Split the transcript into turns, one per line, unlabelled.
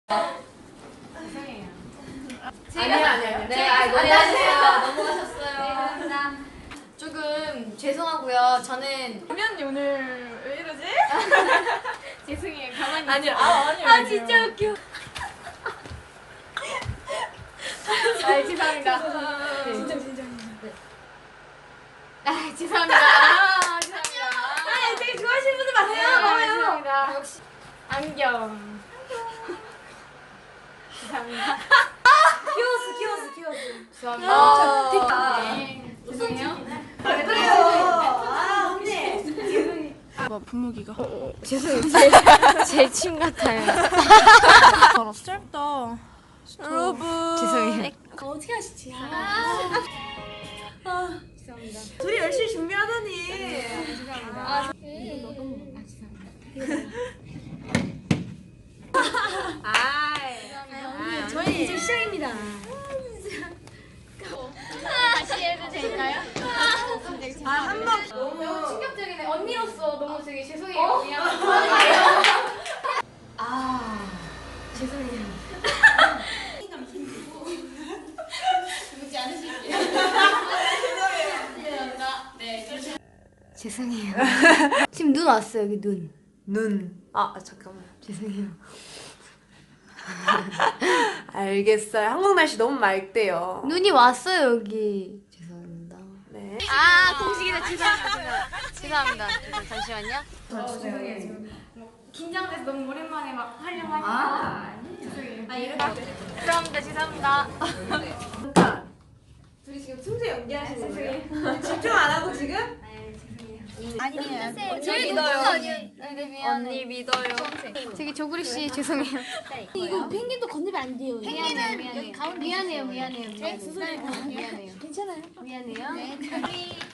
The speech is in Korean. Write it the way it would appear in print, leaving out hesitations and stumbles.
죄송해요.
아니요.
네, 안녕하세요. 넘어가셨어요. 네, 감사합니다. 조금 죄송하고요. 저는
공연이 오늘 왜 이러지?
죄송해요. 가만히
아니요.
아니요. 진짜 웃겨. 죄송합니다.
진짜.
죄송합니다. 죄송합니다.
되게 좋아하시는 분들 많아요.
죄송합니다. 역시 안경. 죄송합니다.
키워스.
죄송합니다. 네. 죄송해요.
그래요. 언니.
뭐 분무기가
죄송해요. 제 침 같아요.
알았어 짧다 여러분
죄송해요.
어떻게 하시지?
죄송합니다.
둘이 열심히 준비하더니.
죄송합니다.
저희 이제 시작입니다.
다시 해도 될까요?
한번
너무 충격적이네. 언니로서 너무 되게 죄송해요. 미안해요. 죄송해요. 죽지 않으실게요. 죄송합니다. 네. 죄송해요. 지금 눈 왔어요, 여기 눈.
눈. 잠깐만.
죄송해요.
알겠어요. 한국 날씨 너무 맑대요.
눈이 왔어요, 여기. 죄송합니다.
네.
공식이다. 죄송합니다. 잠시만요. 죄송해요. 긴장돼서 너무 오랜만에 막 하려고 하니까. 죄송해요. 이렇게. 죄송합니다.
둘이 지금 틈새 연기하시는 거예요?
죄송해요.
집중 안 하고 지금?
아니에요. 저희 믿어요. 언니 믿어요. 저기 조구리 씨 죄송해요.
이거 펭귄도 건드면 안 돼요.
펭귄은 여기 가운데 미안해요. 미안해요.
미안해요.
괜찮아요.
괜찮아요.
미안해요.
네.